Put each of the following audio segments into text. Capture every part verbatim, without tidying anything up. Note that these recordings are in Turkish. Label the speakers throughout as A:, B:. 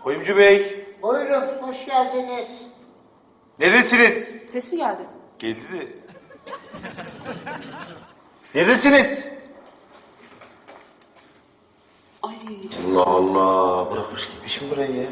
A: Kuyumcu Bey.
B: Buyurun, hoş geldiniz.
A: Neredesiniz?
C: Ses mi geldi?
A: Geldi de. Neredesiniz?
C: Ay
A: Allah Allah. Bırakmış gitmişim burayı ya.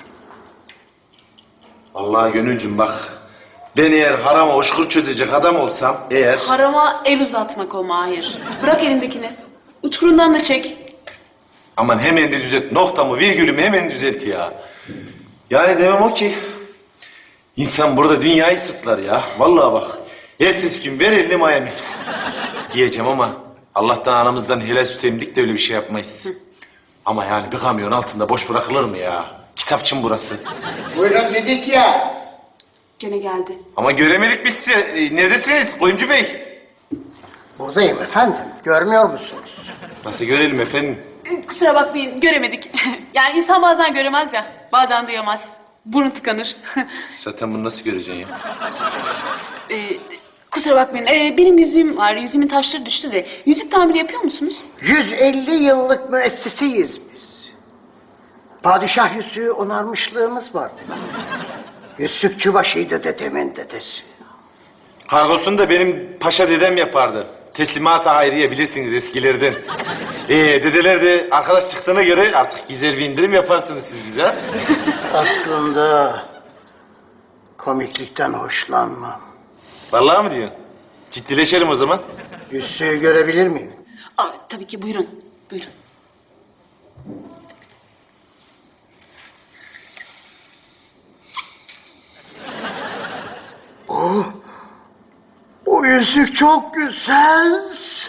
A: Vallahi Gönülcüm bak. Ben eğer harama hoşgör çözecek adam olsam eğer...
C: harama el uzatmak o Mahir. Bırak elindekini. Uçkurundan da çek.
A: Aman hemen de düzelt. Noktamı, virgülümü hemen düzelt ya. Yani demem o ki... İnsan burada dünyayı sırtlar ya. Vallahi bak. Ertesi gün ver elini Miami. Diyeceğim ama... Allah'tan anamızdan helal süt emdik de öyle bir şey yapmayız. Hı. Ama yani bir kamyon altında boş bırakılır mı ya? Kitapçım burası.
B: Buyurun dedik ya.
C: Gene geldi.
A: Ama göremedik biz sizi. E, neredesiniz Kuyumcu Bey?
B: Buradayım efendim, görmüyor musunuz?
A: Nasıl görelim efendim?
C: Kusura bakmayın göremedik. Yani insan bazen göremez ya. Bazen duyamaz. Burun tıkanır.
A: Zaten bunu nasıl göreceksin ya?
C: ee, kusura bakmayın. Ee, benim yüzüğüm var. Yüzüğümün taşları düştü de. Yüzük tamiri yapıyor musunuz?
B: yüz elli yıllık müesseseyiz biz. Padişah yüzüğü onarmışlığımız vardı. Yüzükçü başıydı dedemin dedesi.
A: Kargosunu da benim paşa dedem yapardı. Teslimat-ı hayriye bilirsiniz eskilerden. Ee, dedeler de arkadaş çıktığına göre artık güzel bir indirim yaparsınız siz bize.
B: Aslında komiklikten hoşlanmam.
A: Vallahi mi diyorsun? Ciddileşelim o zaman.
B: Yüzüğü görebilir miyim?
C: Aa, tabii ki buyurun. Buyurun.
B: Oh, bu yüzük çok güzel.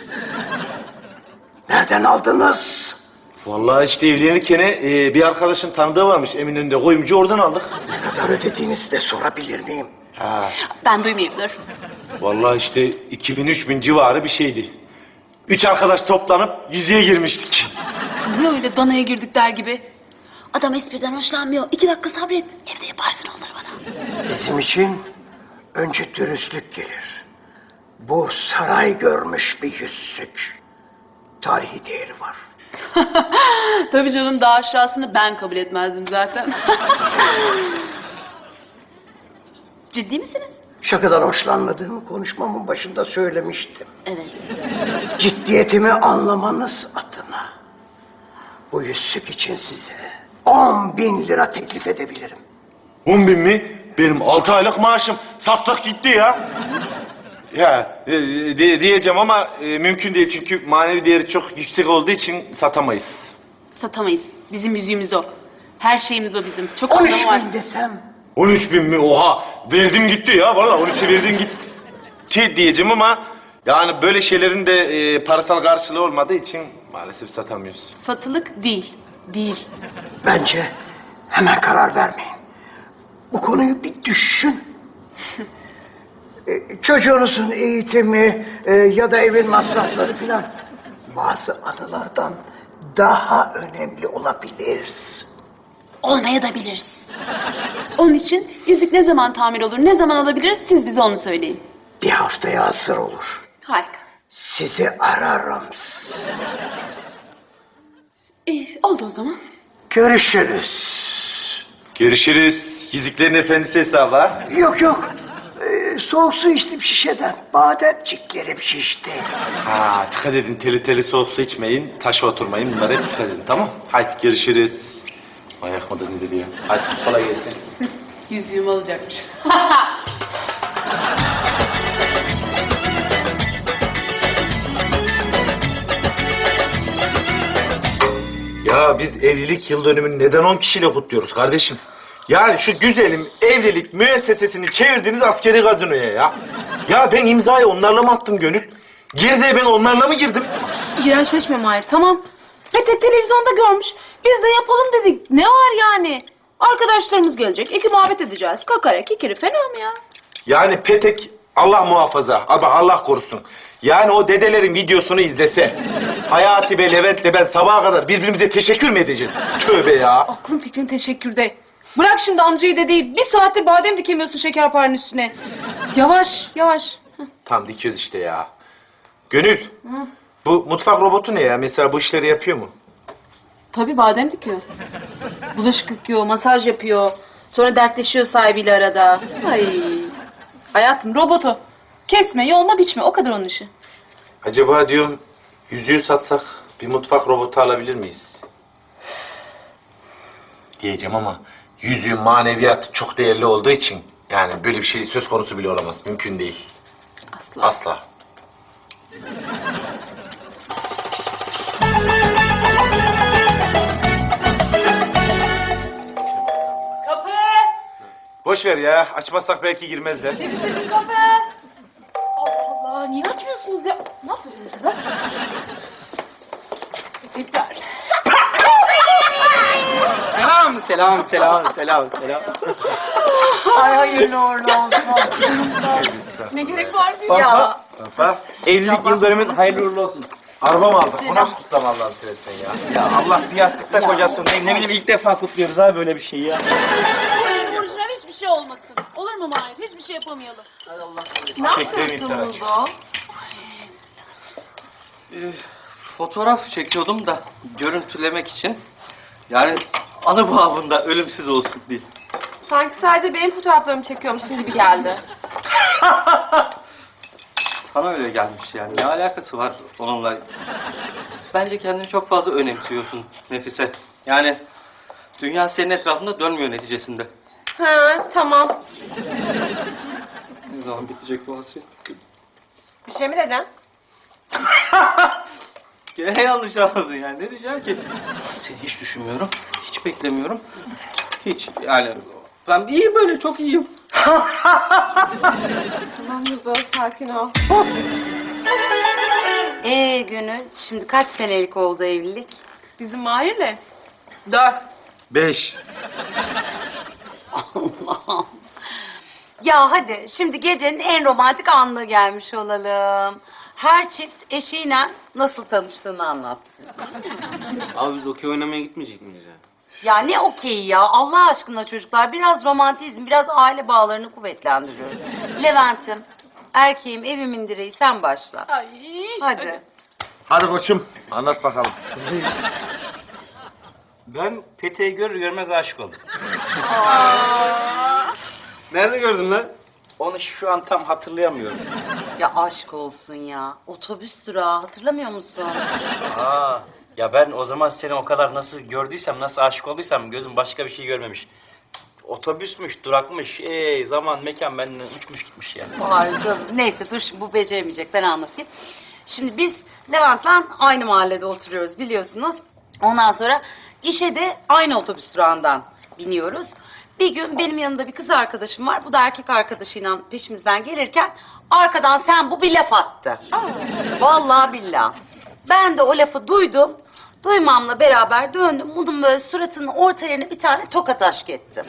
B: Nereden aldınız?
A: Vallahi işte evlenirken e, bir arkadaşın tanıdığı varmış Eminönü'nde kuyumcu, oradan aldık.
B: Ne kadar ödediğinizi de sorabilir miyim?
A: Ha.
C: Ben duymayayım dur.
A: Vallahi işte iki bin üç bin civarı bir şeydi. Üç arkadaş toplanıp yüzüğe girmiştik.
C: Ne öyle danaya girdik der gibi. Adam espriden hoşlanmıyor. İki dakika sabret. Evde yaparsın onları bana.
B: Bizim için önce dürüstlük gelir. Bu saray görmüş bir yüzük. Tarihi değeri var.
C: Tabii canım, daha aşağısını ben kabul etmezdim zaten. Ciddi misiniz?
B: Şakadan hoşlanmadığımı konuşmamın başında söylemiştim.
C: Evet.
B: Ciddiyetimi anlamanız adına bu yüzük için size on bin lira teklif edebilirim.
A: On bin mi? Benim altı aylık maaşım. Saktak gitti ya. Ya e, de, diyeceğim ama e, mümkün değil çünkü manevi değeri çok yüksek olduğu için satamayız.
C: Satamayız. Bizim yüzüğümüz o. Her şeyimiz o bizim. Çok
B: On
C: anlamı
B: üç
C: var.
B: bin desem.
A: On üç bin mi? Oha! Verdim gitti ya. Vallahi on üçe verdim gitti diyeceğim ama... Yani böyle şeylerin de e, parasal karşılığı olmadığı için maalesef satamıyoruz.
C: Satılık değil. Değil.
B: Bence hemen karar vermeyin. Bu konuyu bir düşün. E, Çocuğunuzun eğitimi e, ya da evin masrafları filan bazı anılardan daha önemli olabilir.
C: Olmaya da biliriz. Onun için yüzük ne zaman tamir olur, ne zaman alabiliriz, siz bize onu söyleyin.
B: Bir haftaya hazır olur.
C: Harika.
B: Sizi ararım.
C: İyi, oldu o zaman.
B: Görüşürüz.
A: Görüşürüz. Yüzüklerin Efendisi hesabı ha?
B: Yok yok. Ee, soğuk su içtim şişeden. Bademciklerim şişti.
A: Ha, dikkat edin. Teli teli soğuk su içmeyin. Taşa oturmayın. Bunlara hep dikkat edin, tamam? Haydi görüşürüz. Ayak mıdır nedir ya? Hadi kolay gelsin.
C: Yüzüğümü alacakmış.
A: Ya biz evlilik yıl dönümünü neden on kişiyle kutluyoruz kardeşim? Yani şu güzelim evlilik müessesesini çevirdiniz askeri gazinoya ya. Ya ben imzayı onlarla mı attım Gönül? Girdiğe ben onlarla mı girdim?
C: İğrençleşme Mahir, tamam. Ve te televizyonda görmüş. Biz de yapalım dedik. Ne var yani? Arkadaşlarımız gelecek, iki muhabbet edeceğiz. Kakara kikiri, fena mı ya?
A: Yani Petek Allah muhafaza, abi Allah korusun. Yani o dedelerin videosunu izlese, Hayati ve Levent'le ben sabaha kadar birbirimize teşekkür mü edeceğiz? Tövbe ya.
D: Aklın fikrin teşekkürde. Bırak şimdi amcayı dedeyi. Bir saattir badem dikemiyorsun şekerparenin üstüne. Yavaş, yavaş.
A: Tam dikiyoruz işte ya. Gönül, bu mutfak robotu ne ya? Mesela bu işleri yapıyor mu?
C: Tabii badem dikiyor. Bulaşık yıkıyor, masaj yapıyor. Sonra dertleşiyor sahibiyle arada. Ay. Hayatım robot o. Kesme, yolma, biçme. O kadar onun işi.
A: Acaba diyorum yüzüğü satsak bir mutfak robotu alabilir miyiz? Diyeceğim ama yüzüğün maneviyatı çok değerli olduğu için yani böyle bir şey söz konusu bile olamaz. Mümkün değil.
C: Asla.
A: Asla.
C: Kapı!
A: Boş ver ya. Açmazsak belki girmezler.
C: Temizledim kapı! Allah Allah, niye açmıyorsunuz ya? Ne yapıyorsunuz burada? Yeter.
E: Selam, selam, selam, selam, selam.
C: Ay hayırlı uğurlu olsun. Ne gerek var ki ya?
A: Baba,
E: Evlilik yıl dönümün hayırlı uğurlu olsun.
A: araba mı aldık? Bu nasıl kutlama Allah'ını seversen ya?
E: Ya Allah bir yastıkta kocasın. Ne, ne bileyim ilk defa kutluyoruz abi böyle bir şeyi ya.
C: Orijinal hiçbir şey olmasın. Olur mu Mahir? Hiçbir şey yapamayalım.
A: Çektiğin iftira.
F: Fotoğraf çekiyordum da görüntülemek için. Yani anı babında ölümsüz olsun diye.
G: Sanki sadece benim fotoğraflarımı çekiyormuşsun gibi geldi.
F: Sana öyle gelmiş yani. Ne alakası var onunla? Bence kendini çok fazla önemsiyorsun Nefise. Yani dünya senin etrafında dönmüyor neticesinde.
G: Ha, tamam.
F: Ne zaman bitecek bu hasret?
G: Bir şey mi dedin?
F: Gene yanlış anladın yani. Ne diyeceğim ki? Seni hiç düşünmüyorum. Hiç beklemiyorum. Hiç yani. Ben iyiyim böyle, çok iyiyim.
G: Tamam Muzo, sakin ol.
H: Ee Gönül, şimdi kaç senelik oldu evlilik?
C: Bizim Mahir'le? Dört.
A: Beş.
H: Allah'ım. Ya hadi, şimdi gecenin en romantik anına gelmiş olalım. Her çift eşiyle nasıl tanıştığını anlatsın.
E: Abi biz okey oynamaya gitmeyecek miyiz ya?
H: Ya ne okey ya, Allah aşkına çocuklar. Biraz romantizm, biraz aile bağlarını kuvvetlendiriyoruz. Levent'im, erkeğim, evimin direği, sen başla.
C: Ay.
H: Hadi.
A: Hadi koçum anlat bakalım.
E: Ben Pete'yi görür görmez aşık oldum. Nerede gördün lan? Onu şu an tam hatırlayamıyorum.
H: Ya aşk olsun ya. Otobüs durağı, hatırlamıyor musun?
E: Aa, ya ben o zaman seni o kadar nasıl gördüysem, nasıl aşık olduysam gözüm başka bir şey görmemiş. Otobüsmüş, durakmış, ey zaman, mekan benden uçmuş gitmiş ya.
H: Ay canım. Neyse dur şimdi bu beceremeyecek, ben anlatayım. Şimdi biz Levent'le aynı mahallede oturuyoruz biliyorsunuz. Ondan sonra işe de aynı otobüs durağından biniyoruz. Bir gün benim yanımda bir kız arkadaşım var. Bu da erkek arkadaşıyla peşimizden gelirken arkadan sen bu bir laf attı. Vallahi billahi. Ben de o lafı duydum. Duymamla beraber döndüm. Bunun böyle suratının orta yerine bir tane tokat aşk ettim.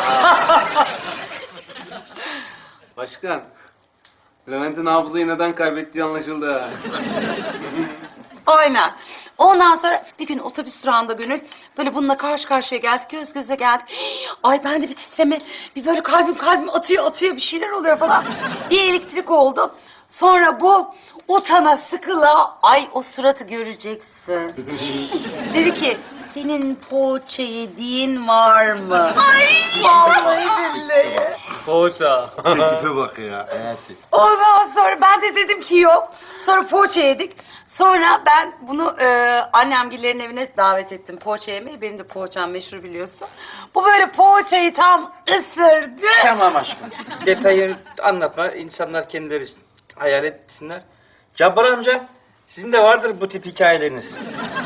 E: Başkan, Levent'in hafızayı neden kaybettiği anlaşıldı ha.
H: Aynen. Ondan sonra bir gün otobüs durağında Gönül böyle bununla karşı karşıya geldik, göz göze geldik. Ay ben de bir titreme, bir böyle kalbim kalbim atıyor atıyor bir şeyler oluyor falan. Bir elektrik oldu. Sonra bu utana sıkıla, ay o suratı göreceksin. Dedi ki senin poğaça yediğin var mı? Ay vallahi billahi.
E: Poğaça.
A: Teklife bak ya hayatı.
H: Ondan sonra ben de dedim ki yok. Sonra poğaça yedik. Sonra ben bunu e, annemgillerin evine davet ettim poğaça yemeye. Benim de poğaçam meşhur biliyorsun. Bu böyle poğaçayı tam ısırdı.
E: Tamam aşkım. Detayı anlatma. İnsanlar kendileri hayal etsinler. Cabbar amca, sizin de vardır bu tip hikayeleriniz.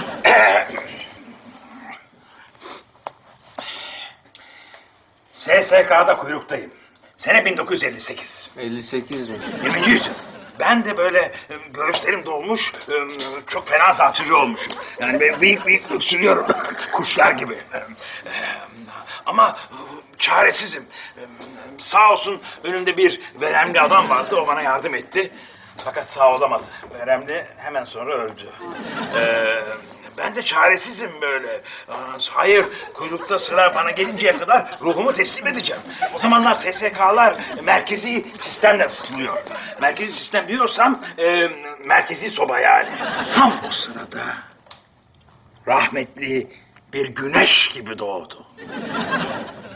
B: S S K'da kuyruktayım. Sene bin dokuz yüz elli sekiz.
E: elli sekiz mi?
B: yirminci yüzyıl. Ben de böyle e, göğüslerim dolmuş, e, çok fena zatürre olmuşum. Yani ben bıyık bıyık öksürüyorum, kuşlar gibi. E, e, Ama e, çaresizim. E, Sağ olsun önümde bir veremli adam vardı, o bana yardım etti. Fakat sağ olamadı. Veremli hemen sonra öldü. E, Ben de çaresizim böyle. Hayır, kuyrukta sıra bana gelinceye kadar ruhumu teslim edeceğim. O zamanlar S S K'lar merkezi sistemle ısıtılıyor. Merkezi sistem diyorsam e, merkezi soba yani. Tam o sırada rahmetli bir güneş gibi doğdu.